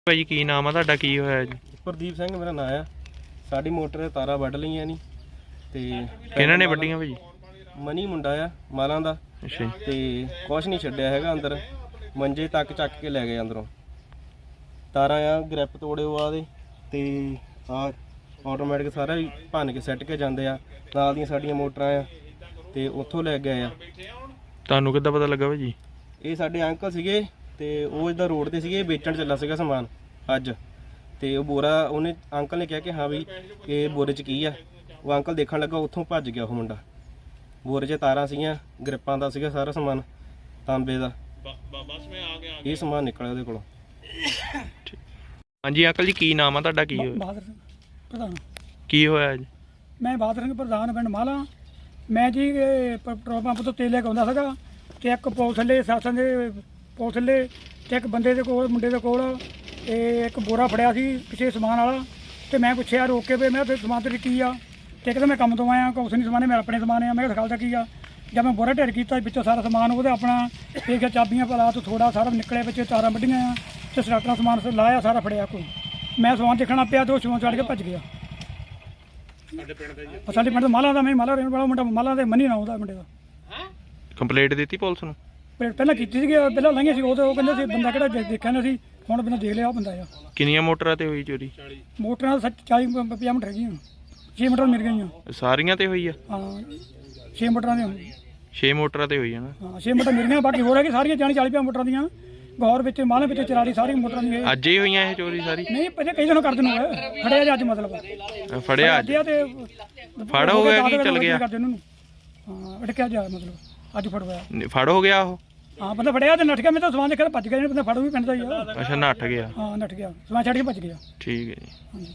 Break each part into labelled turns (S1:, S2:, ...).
S1: ਭਾਜੀ ਕੀ ਨਾਮ ਆ ਤੁਹਾਡਾ, ਕੀ ਹੋਇਆ ਜੀ?
S2: ਪ੍ਰਦੀਪ ਸਿੰਘ ਮੇਰਾ ਨਾਂ ਆ। ਸਾਡੀ ਮੋਟਰ ਦੇ ਤਾਰਾਂ ਵੱਢ ਲਈਆਂ ਨਹੀਂ ਤੇ
S1: ਕਿਹਨਾਂ ਨੇ ਵੱਡੀਆਂ ਭਾਜੀ?
S2: ਮਨੀ ਮੁੰਡਾ ਆ ਮਾਲਾਂ ਦਾ।
S1: ਅੱਛਾ ਜੀ।
S2: ਤੇ ਕੁਛ ਨਹੀਂ ਛੱਡਿਆ ਹੈਗਾ ਅੰਦਰ, ਮੰਜੇ ਤੱਕ ਚੱਕ ਕੇ ਲੈ ਗਏ ਅੰਦਰੋਂ। ਤਾਰਾਂ ਆ ਗ੍ਰਿਪ ਤੋੜੇ ਆ ਦੇ ਤੇ ਆ ਆਟੋਮੈਟਿਕ ਸਾਰਾ ਹੀ ਭੰਨ ਕੇ ਸੱਟ ਕੇ ਜਾਂਦੇ ਆ। ਨਾਲ ਦੀਆਂ ਸਾਡੀਆਂ ਮੋਟਰਾਂ ਆ ਤੇ ਉੱਥੋਂ ਲੈ ਗਏ ਆ।
S1: ਤੁਹਾਨੂੰ ਕਿੱਦਾਂ ਪਤਾ ਲੱਗਾ ਭਾਜੀ?
S2: ਇਹ ਸਾਡੇ ਅੰਕਲ ਸੀਗੇ ਤੇ ਉਹ ਇੱਦਾਂ ਰੋਡ ਤੇ ਸੀਗੇ, ਵੇਚਣ ਚੱਲਾ ਸੀਗਾ ਸਮਾਨ ਅੱਜ। ਤੇ ਉਹ ਬੋਰਾ ਉਹਨੇ ਅੰਕਲ ਨੇ ਕਿਹਾ ਕਿ ਹਾਂ ਵੀ ਇਹ ਬੋਰੇ 'ਚ ਕੀ ਆ। ਉਹ ਅੰਕਲ ਦੇਖਣ ਲੱਗਾ, ਉੱਥੋਂ ਭੱਜ ਗਿਆ ਉਹ ਮੁੰਡਾ। ਬੋਰੇ 'ਚ ਤਾਰਾਂ ਸੀਗੀਆਂ, ਗ੍ਰਿਪਾਂ ਦਾ ਸੀਗਾ ਸਾਰਾ ਸਮਾਨ, ਤਾਂਬੇ ਦਾ ਇਹ ਸਮਾਨ ਨਿਕਲਿਆ ਉਹਦੇ ਕੋਲੋਂ।
S1: ਹਾਂਜੀ ਅੰਕਲ ਜੀ, ਕੀ ਨਾਮ ਆ ਤੁਹਾਡਾ, ਕੀ ਹੋਇਆ?
S3: ਬਹਾਦਰ ਸਿੰਘ ਪ੍ਰਧਾਨ।
S1: ਕੀ ਹੋਇਆ ਜੀ?
S3: ਮੈਂ ਬਹਾਦਰ ਸਿੰਘ ਪ੍ਰਧਾਨ ਪਿੰਡ ਮਾਲਾ। ਮੈਂ ਜੀ ਪੈਟਰੋਲ ਪੰਪ ਤੋਂ ਤੇਲ ਲੈ ਕੇ ਆਉਂਦਾ ਸੀਗਾ ਤੇ ਇੱਕ ਪੁਲਿਸ ਥੱਲੇ ਸਾਸਾਂ ਦੇ ਪੁਲਿਸ ਥੱਲੇ ਤੇ ਇੱਕ ਬੰਦੇ ਦੇ ਕੋਲ ਮੁੰਡੇ ਦੇ ਕੋਲ ਇਹ ਇੱਕ ਬੋਰਾ ਫੜਿਆ ਸੀ ਕਿਸੇ ਸਮਾਨ ਵਾਲਾ। ਤੇ ਮੈਂ ਪੁੱਛਿਆ ਰੋਕ ਕੇ ਵੀ ਮੈਂ ਤੇ ਸਮਾਨ ਤੇ ਕੀ ਆ। ਤੇ ਕਹਿੰਦਾ ਮੈਂ ਕੰਮ ਤੋਂ ਆਇਆ, ਕੁਛ ਨਹੀਂ ਸਮਾਨ, ਮੇਰੇ ਆਪਣੇ ਸਮਾਨ ਆ। ਮੈਂ ਕਿਹਾ ਦਿਖਾਲਦਾ ਕੀ ਆ। ਜਦ ਮੈਂ ਬੋਰਾ ਢੇਰ ਕੀਤਾ ਵਿੱਚੋਂ ਸਾਰਾ ਸਮਾਨ ਉਹਦੇ ਆਪਣਾ ਦੇਖਿਆ, ਚਾਬੀਆਂ ਪਲਾ ਤੋਂ ਥੋੜਾ ਸਾਰਾ ਨਿਕਲਿਆ, ਵਿੱਚ ਤਾਰਾਂ ਵੱਢੀਆਂ ਆ ਤੇ ਸਟਾਰਟਰ ਸਮਾਨ ਲਾਇਆ ਸਾਰਾ ਫੜਿਆ ਕੋਈ। ਮੈਂ ਸਮਾਨ ਦੇਖਣਾ ਪਿਆ ਤੇ ਉਹ ਸਮਾਨ ਚੜ ਕੇ ਭੱਜ ਗਿਆ। ਸਾਡੇ ਪਿੰਡ ਦਾ ਮਾਲਾ ਦਾ, ਮੈਂ ਮਾਲਾ ਰਹਿਣ ਵਾਲਾ ਮੁੰਡਾ, ਮਾਲਾ ਦੇ ਮਨੀ ਨਾ ਉਹਦਾ ਮੁੰਡੇ ਦਾ।
S1: ਕੰਪਲੇਂਟ ਦਿੱਤੀ ਪੁਲਿਸ ਨੂੰ?
S3: ਪਹਿਲਾਂ ਕੀਤੀ ਸੀਗੀ, ਪਹਿਲਾਂ ਲੰਘੇ ਸੀ ਉਹ ਕਹਿੰਦੇ ਸੀ ਬੰਦਾ ਕਿਹੜਾ ਦੇਖਿਆ ਨਹੀਂ ਸੀ। ਹੁਣ ਬਿਨਾਂ ਦੇਖ ਲਿਆ ਉਹ ਬੰਦਾ ਆ।
S1: ਕਿੰਨੀਆਂ ਮੋਟਰਾਂ ਤੇ ਹੋਈ ਚੋਰੀ?
S3: ਮੋਟਰਾਂ 40-50 ਮੀਟਰ ਹੈਗੀਆਂ, 6 ਮੀਟਰ ਮਿਲ ਗਈਆਂ।
S1: ਸਾਰੀਆਂ ਤੇ ਹੋਈ ਆ?
S3: ਹਾਂ 6 ਮੀਟਰਾਂ ਦੀਆਂ।
S1: 6 ਮੋਟਰਾਂ ਤੇ ਹੋਈ ਆ ਨਾ?
S3: ਹਾਂ 6 ਮੀਟਰ ਮਿਲ ਗਈਆਂ, ਬਾਕੀ ਹੋਰ ਹੈਗੀ ਸਾਰੀਆਂ 40-50 ਮੀਟਰਾਂ ਦੀਆਂ। ਗੌਰ ਵਿੱਚ ਮਾਲੇ ਵਿੱਚ ਚਰਾੜੀ ਸਾਰੀ ਮੋਟਰਾਂ ਦੀ।
S1: ਅੱਜ ਹੀ ਹੋਈਆਂ ਇਹ ਚੋਰੀ ਸਾਰੀ?
S3: ਨਹੀਂ ਪਹਿਲੇ ਕਈ ਦਿਨੋਂ ਕਰਦੇ ਨੂੰ ਫੜਿਆ ਜੀ ਅੱਜ, ਮਤਲਬ
S1: ਫੜਿਆ ਅੱਜ
S3: ਤੇ
S1: ਫੜ ਹੋ ਗਿਆ ਕਿ ਚੱਲ ਗਿਆ?
S3: ਹਾਂ ਅਟਕਿਆ ਜਾ ਮਤਲਬ ਅੱਜ ਫੜਵਾਇਆ।
S1: ਫੜ ਹੋ ਗਿਆ ਉਹ?
S3: ਹਾਂ ਬੰਦਾ ਫੜਿਆ ਤੇ ਨੱਠ ਗਿਆ। ਮੈਂ ਤਾਂ ਸਮਾਨ ਦੇਖਿਆ ਭੱਜ ਗਿਆ। ਬੰਦਾ ਫੜੂ ਵੀ ਪਿੰਡ ਦਾ ਹੀ ਆ।
S1: ਅੱਛਾ ਨੱਠ ਗਿਆ?
S3: ਹਾਂ ਨੱਠ ਗਿਆ, ਸਮਾਨ ਛੱਡ ਕੇ ਭੱਜ ਗਿਆ।
S1: ਠੀਕ ਹੈ ਜੀ।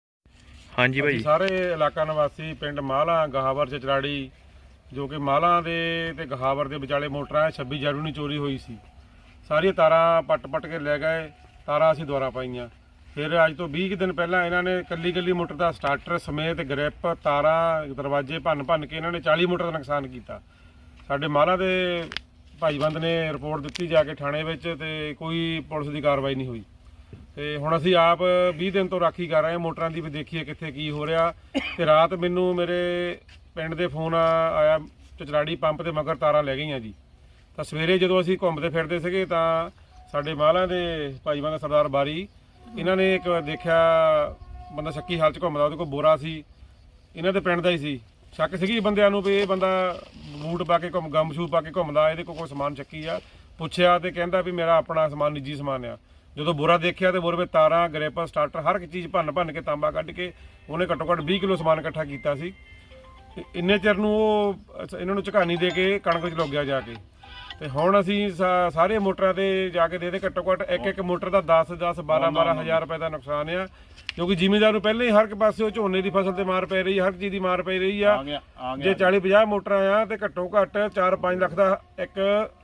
S1: ਹਾਂਜੀ ਭਾਈ।
S4: ਸਾਰੇ ਇਲਾਕਾ ਨਿਵਾਸੀ ਪਿੰਡ ਮਾਲਾ ਗਹਾਵਰ ਚਚਰਾੜੀ, ਜੋ ਕਿ ਮਾਲਾ ਦੇ ਤੇ ਗਹਾਵਰ ਦੇ ਵਿਚਾਲੇ ਮੋਟਰਾਂ 26 ਜਨਵਰੀ ਨੂੰ ਚੋਰੀ ਹੋਈ ਸੀ। ਸਾਰੀਆਂ ਤਾਰਾਂ ਪੱਟ ਕੇ ਲੈ ਗਏ। ਤਾਰਾਂ ਅਸੀਂ ਦੁਆਰਾ ਪਾਈਆਂ। ਫਿਰ ਅੱਜ ਤੋਂ 20 ਦਿਨ ਪਹਿਲਾਂ ਇਹਨਾਂ ਨੇ ਕੱਲੀ ਮੋਟਰ ਦਾ ਸਟਾਰਟਰ ਸਮੇਤ ਗ੍ਰਿਪ, ਤਾਰਾਂ, ਦਰਵਾਜ਼ੇ ਭੰਨ ਕੇ ਇਹਨਾਂ ਨੇ 40 ਮੋਟਰ ਦਾ ਨੁਕਸਾਨ ਕੀਤਾ। ਸਾਡੇ ਮਾਲਾ ਦੇ ਭਾਈਬੰਦ ਨੇ ਰਿਪੋਰਟ ਦਿੱਤੀ ਜਾ ਕੇ ਥਾਣੇ ਵਿੱਚ, ਤੇ ਕੋਈ ਪੁਲਿਸ ਦੀ ਕਾਰਵਾਈ ਨਹੀਂ ਹੋਈ। ਤੇ ਹੁਣ ਅਸੀਂ ਆਪ 20 ਦਿਨ ਤੋਂ ਰਾਖੀ ਕਰ ਰਹੇ ਹਾਂ ਮੋਟਰਾਂ ਦੀ, ਵੀ ਦੇਖੀਏ ਕਿੱਥੇ ਕੀ ਹੋ ਰਿਹਾ। ਤੇ ਰਾਤ ਮੈਨੂੰ ਮੇਰੇ ਪਿੰਡ ਦੇ ਫੋਨ ਆਇਆ, ਚਚਰਾੜੀ ਪੰਪ ਤੇ ਮਗਰ ਤਾਰਾਂ ਲੈ ਗਈਆਂ ਜੀ। ਤਾਂ ਸਵੇਰੇ ਜਦੋਂ ਅਸੀਂ ਘੁੰਮਦੇ ਫਿਰਦੇ ਸੀਗੇ ਤਾਂ ਸਾਡੇ ਮਾਲਾਂ ਦੇ ਭਾਈਬੰਦ ਸਰਦਾਰ ਬਾਰੀ, ਇਹਨਾਂ ਨੇ ਇੱਕ ਦੇਖਿਆ ਬੰਦਾ ਸ਼ੱਕੀ ਹਾਲਤ 'ਚ ਘੁੰਮਦਾ, ਉਹਦੇ ਕੋਲ ਬੋਰਾ ਸੀ, ਇਹਨਾਂ ਦੇ ਪਿੰਡ ਦਾ ਹੀ ਸੀ। ਸ਼ੱਕ ਸੀਗੀ ਬੰਦਿਆਂ ਨੂੰ ਵੀ ਇਹ ਬੰਦਾ ਬੂਟ ਪਾ ਕੇ ਗਮ ਸ਼ੂ ਪਾ ਕੇ ਘੁੰਮਦਾ, ਇਹਦੇ ਕੋਲ ਕੋਈ ਸਮਾਨ ਚੱਕੀ ਆ। ਪੁੱਛਿਆ ਤੇ ਕਹਿੰਦਾ ਵੀ ਮੇਰਾ ਆਪਣਾ ਸਮਾਨ, ਨਿੱਜੀ ਸਮਾਨ ਆ। ਜਦੋਂ ਬੋਰਾ ਦੇਖਿਆ ਤੇ ਬੋਰੇ ਵਿੱਚ ਤਾਰਾਂ, ਗ੍ਰਿਪ, ਸਟਾਰਟਰ, ਹਰ ਇੱਕ ਚੀਜ਼ ਭੰਨ ਕੇ ਤਾਂਬਾ ਕੱਢ ਕੇ ਉਹਨੇ ਘੱਟੋ ਘੱਟ 20 ਕਿਲੋ ਸਮਾਨ ਇਕੱਠਾ ਕੀਤਾ ਸੀ। ਇੰਨੇ ਚਿਰ ਨੂੰ ਉਹ ਇਹਨਾਂ ਨੂੰ ਝਕਾਨੀ ਦੇ ਕੇ ਕਣਕ 'ਚ ਲੁੱਗ ਗਿਆ ਜਾ ਕੇ। ਤੇ ਹੁਣ ਅਸੀਂ ਸਾਰੇ ਮੋਟਰਾਂ ਤੇ ਜਾ ਕੇ ਦੇ ਘੱਟੋ ਘੱਟ ਇੱਕ ਮੋਟਰ ਦਾ 10-10, 12-12 ਹਜ਼ਾਰ ਰੁਪਏ ਦਾ ਨੁਕਸਾਨ ਆ। ਕਿਉਂਕਿ ਜ਼ਿਮੀਂਦਾਰ ਨੂੰ ਪਹਿਲਾਂ ਹੀ ਹਰ ਇੱਕ ਪਾਸੇ ਝੋਨੇ ਦੀ ਫਸਲ ਤੇ ਮਾਰ ਪੈ ਰਹੀ, ਹਰ ਚੀਜ਼ ਦੀ ਮਾਰ ਪੈ ਰਹੀ ਆ। ਜੇ 40-50 ਮੋਟਰਾਂ ਆ ਤੇ ਘੱਟੋ ਘੱਟ 4-5 ਲੱਖ ਦਾ ਇੱਕ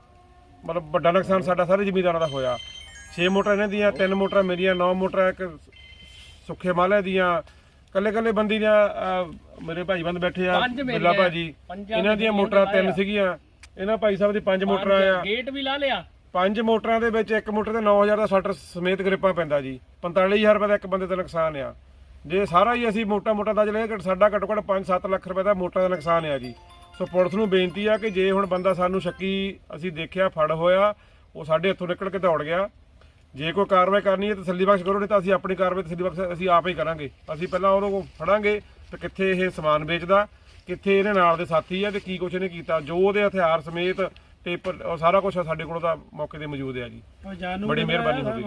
S4: ਮਤਲਬ ਵੱਡਾ ਨੁਕਸਾਨ ਸਾਡਾ ਸਾਰੇ ਜ਼ਿਮੀਂਦਾਰਾਂ ਦਾ ਹੋਇਆ। 6 ਮੋਟਰਾਂ ਇਹਨਾਂ ਦੀਆਂ, 3 ਮੋਟਰਾਂ ਮੇਰੀਆਂ, 9 ਮੋਟਰਾਂ ਇੱਕ ਸੁੱਖੇ ਮਾਲੇ ਦੀਆਂ। ਕੱਲੇ ਬੰਦੀ ਦੀਆਂ ਮੇਰੇ ਭਾਈਬੰਦ ਬੈਠੇ ਆ, ਬਿੱਲਾ ਭਾਜੀ, ਇਹਨਾਂ ਦੀਆਂ ਮੋਟਰਾਂ 3 ਸੀਗੀਆਂ। ਇਹਨਾਂ ਭਾਈ ਸਾਹਿਬ ਦੀ 5 ਮੋਟਰਾਂ ਆ।
S5: ਗੇਟ ਵੀ ਲਾ ਲਿਆ।
S4: 5 ਮੋਟਰਾਂ ਦੇ ਵਿੱਚ ਇੱਕ ਮੋਟਰ ਤੇ 9000 ਦਾ ਸਟਾਰਟਰ ਸਮੇਤ ਗ੍ਰਿਪਾਂ ਪੈਂਦਾ ਜੀ। 45000 ਰੁਪਏ ਦਾ ਇੱਕ ਬੰਦੇ ਦਾ ਨੁਕਸਾਨ ਆ। ਜੇ ਸਾਰਾ ਹੀ ਅਸੀਂ ਮੋਟਾ ਦਾ ਚਲੇ ਸਾਡਾ ਘੱਟੋ ਘੱਟ 5-7 ਲੱਖ ਰੁਪਏ ਦਾ ਮੋਟਰ ਦਾ ਨੁਕਸਾਨ ਆ ਜੀ। ਸੋ ਪੁਲਿਸ ਨੂੰ ਬੇਨਤੀ ਆ ਕਿ ਜੇ ਹੁਣ ਬੰਦਾ ਸਾਨੂੰ ਸ਼ੱਕੀ ਅਸੀਂ ਦੇਖਿਆ ਫੜ ਹੋਇਆ, ਉਹ ਸਾਡੇ ਹੱਥੋਂ ਨਿਕਲ ਕੇ ਦੌੜ ਗਿਆ, ਜੇ ਕੋਈ ਕਾਰਵਾਈ ਕਰਨੀ ਹੈ ਤਸੱਲੀ ਬਖਸ਼ ਕਰੋ, ਨਹੀਂ ਤਾਂ ਅਸੀਂ ਆਪਣੀ ਕਾਰਵਾਈ ਤਸੱਲੀ ਬਖਸ਼ ਅਸੀਂ ਆਪ ਹੀ ਕਰਾਂਗੇ। ਅਸੀਂ ਪਹਿਲਾਂ ਉਹਨੂੰ ਫੜਾਂਗੇ ਤੇ ਕਿੱਥੇ ਇਹ ਸਮਾਨ ਵੇਚਦਾ, ਕਿੱਥੇ ਇਹਦੇ ਨਾਲ ਦੇ ਸਾਥੀ ਆ ਤੇ ਕੀ ਕੁਛ ਇਹਨੇ ਕੀਤਾ। ਜੋ ਉਹਦੇ ਹਥਿਆਰ ਸਮੇਤ ਟੇਪਰ ਸਾਰਾ ਕੁਝ ਸਾਡੇ ਕੋਲ ਤਾਂ ਮੌਕੇ ਤੇ ਮੌਜੂਦ ਹੈ ਜੀ। ਬੜੀ ਮਿਹਰਬਾਨੀ ਹੋਵੇਗੀ।